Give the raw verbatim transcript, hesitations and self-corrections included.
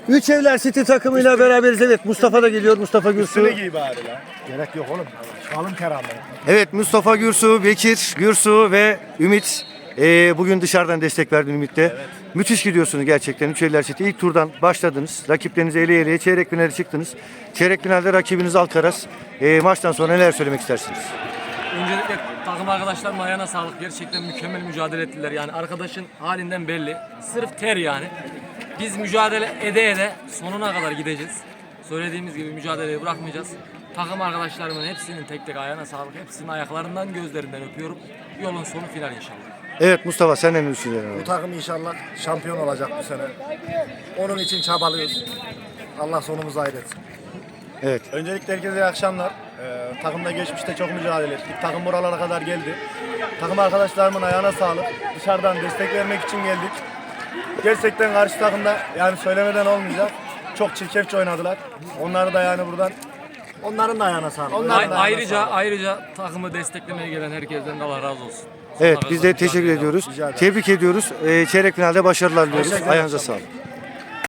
Üç Evler City takımıyla beraberiz. Evet, Mustafa da geliyor. Mustafa Gürsu. Üstüne giy bari lan. Gerek yok oğlum. Alın keramı. Evet, Mustafa Gürsu, Bekir Gürsu ve Ümit. Ee, bugün dışarıdan destek verdin Ümit'te. Evet. Müthiş gidiyorsunuz gerçekten. Üç Evler City ilk turdan başladınız. Rakiplerinizi ele eleye çeyrek finale çıktınız. Çeyrek finalde rakibiniz Alcaraz. Ee, maçtan sonra neler söylemek istersiniz? Öncelikle takım arkadaşlarımın ayağına sağlık. Gerçekten mükemmel mücadele ettiler. Yani arkadaşın halinden belli. Sırf ter yani. Biz mücadele ede ede sonuna kadar gideceğiz. Söylediğimiz gibi mücadeleyi bırakmayacağız. Takım arkadaşlarımın hepsinin tek tek ayağına sağlık. Hepsinin ayaklarından, gözlerinden öpüyorum. Yolun sonu final inşallah. Evet Mustafa, sen ne düşünüyorsun? Bu takım inşallah şampiyon olacak bu sene. Onun için çabalıyoruz. Allah sonumuzu hayretsin. Evet. Öncelikle herkese iyi akşamlar. Ee, takımda geçmişte çok mücadele ettik. Takım buralara kadar geldi. Takım arkadaşlarımın ayağına sağlık. Dışarıdan destek vermek için geldik. Gerçekten karşı takımda yani söylemeden olmayacak. Çok çirkefçe oynadılar. Onları da yani buradan onların da ayağına sağlık. Onların da Ay- ayağına ayrıca sağlık. ayrıca takımı desteklemeye gelen herkesten de Allah razı olsun. Evet, Sonuna biz kadar de teşekkür mücadele ediyoruz. Rica ederim. Tebrik ediyoruz. Ee, çeyrek finalde başarılar diliyoruz. Teşekkür ederim. Ayağınıza sağlık.